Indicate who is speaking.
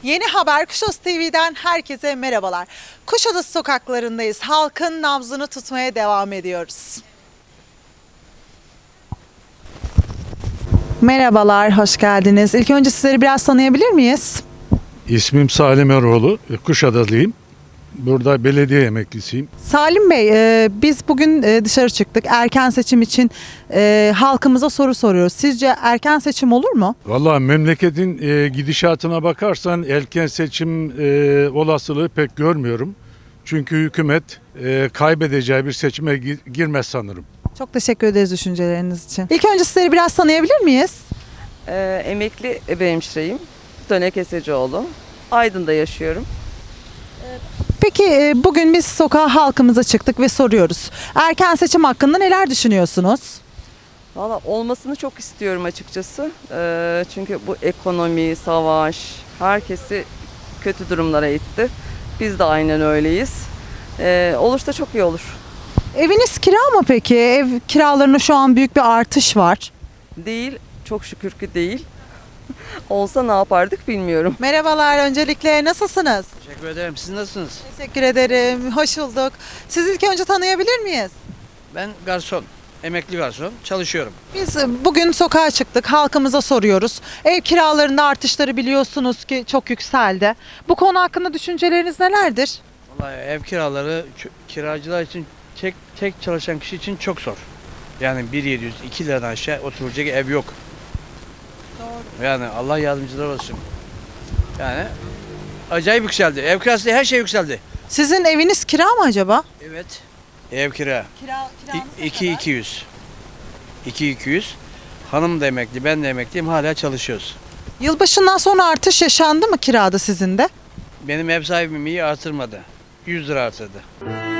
Speaker 1: Yeni Haber Kuşadası TV'den herkese merhabalar. Kuşadası sokaklarındayız. Halkın nabzını tutmaya devam ediyoruz. Merhabalar, hoş geldiniz. İlk önce sizleri biraz tanıyabilir miyiz?
Speaker 2: İsmim Salim Eroğlu, Kuşadalıyım. Burada belediye emeklisiyim.
Speaker 1: Salim Bey, biz bugün dışarı çıktık. Erken seçim için halkımıza soru soruyoruz. Sizce erken seçim olur mu?
Speaker 2: Vallahi memleketin gidişatına bakarsan erken seçim olasılığı pek görmüyorum. Çünkü hükümet kaybedeceği bir seçime girmez sanırım.
Speaker 1: Çok teşekkür ederiz düşünceleriniz için. İlk önce sizleri biraz tanıyabilir miyiz?
Speaker 3: Emekli hemşireyim. Döne Kesecioğlu. Aydın'da yaşıyorum.
Speaker 1: Peki bugün biz sokağa halkımıza çıktık ve soruyoruz. Erken seçim hakkında neler düşünüyorsunuz?
Speaker 3: Valla olmasını çok istiyorum açıkçası. Çünkü bu ekonomi, savaş herkesi kötü durumlara itti. Biz de aynen öyleyiz. Olursa çok iyi olur.
Speaker 1: Eviniz kira mı peki? Ev kiralarında şu an büyük bir artış var.
Speaker 3: Değil, çok şükür ki değil. Olsa ne yapardık bilmiyorum.
Speaker 1: Merhabalar, öncelikle nasılsınız?
Speaker 4: Teşekkür ederim. Siz nasılsınız?
Speaker 1: Teşekkür ederim, hoş bulduk. Sizi ilk önce tanıyabilir miyiz?
Speaker 4: Ben garson, emekli garson. Çalışıyorum.
Speaker 1: Biz bugün sokağa çıktık, halkımıza soruyoruz. Ev kiralarında artışları biliyorsunuz ki çok yükseldi. Bu konu hakkında düşünceleriniz nelerdir?
Speaker 4: Vallahi ev kiraları kiracılar için tek çalışan kişi için çok zor. Yani 1.700, 2 liradan aşağı oturacak ev yok. Doğru. Yani Allah yardımcılar olsun. Yani acayip yükseldi. Ev kirası her şey yükseldi.
Speaker 1: Sizin eviniz kira mı acaba?
Speaker 4: Evet. Ev kira.
Speaker 1: Kiranız
Speaker 4: 2.200. 2.200. Hanım da emekli, ben de emekliyim. Hala çalışıyoruz.
Speaker 1: Yılbaşından sonra artış yaşandı mı kirada sizin de?
Speaker 4: Benim ev sahibim iyi artırmadı. 100 lira artırdı.